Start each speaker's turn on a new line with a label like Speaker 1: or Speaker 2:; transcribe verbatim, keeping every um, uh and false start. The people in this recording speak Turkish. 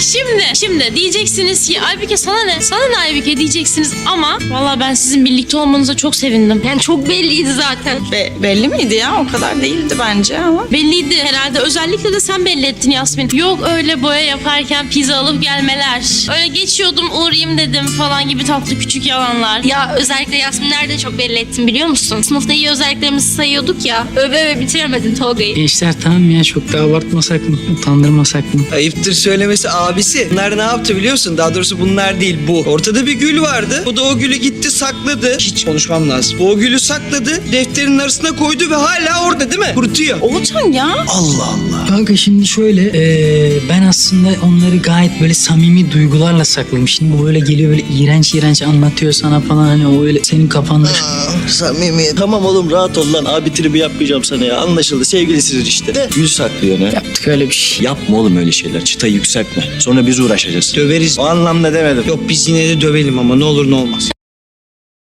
Speaker 1: Şimdi, şimdi diyeceksiniz ki Aybüke sana ne? Sana ne Aybüke diyeceksiniz ama valla ben sizin birlikte olmanıza çok sevindim.
Speaker 2: Yani çok belliydi zaten.
Speaker 3: Be- belli miydi ya? O kadar değildi bence ama.
Speaker 1: Belliydi herhalde. Özellikle de sen belli ettin Yasmin. Yok öyle boya yaparken pizza alıp gelmeler. Öyle geçiyordum uğrayayım dedim falan gibi tatlı küçük yalanlar.
Speaker 2: Ya özellikle Yasmin nerede çok belli ettin biliyor musun? Sınıfta iyi özelliklerimizi sayıyorduk ya. Öve öve bitiremedin Tolga'yı.
Speaker 4: Gençler tamam ya, çok da abartmasak mı? Utandırmasak mı?
Speaker 5: Ayıptır söylemesi abisi. Bunlar ne yaptı biliyor musun? Daha doğrusu bunlar değil, bu. Ortada bir gül vardı. Bu da o gülü gitti sakladı. Hiç konuşmam lazım. Bu o gülü sakladı. Defterin arasına koydu ve hala orada değil mi? Kurutuyor.
Speaker 3: Oğuzhan ya.
Speaker 5: Allah Allah.
Speaker 4: Kanka şimdi şöyle eee, ben aslında onları gayet böyle samimi duygularla sakladım. Şimdi bu böyle geliyor böyle iğrenç iğrenç anlatıyor sana falan, hani o öyle senin kafanda.
Speaker 6: Aa, samimi. Tamam oğlum, rahat ol lan. Abi tribi yapmayacağım sana ya. Anlaşıldı. Sevgilisiniz işte. De gül saklıyor ne?
Speaker 4: Yaptık öyle bir şey.
Speaker 6: Yapma oğlum öyle şeyler. Çıtayı yükseltme. Sonra biz uğraşacağız.
Speaker 5: Döveriz.
Speaker 6: O anlamda demedim.
Speaker 5: Yok biz yine de dövelim ama ne olur ne olmaz.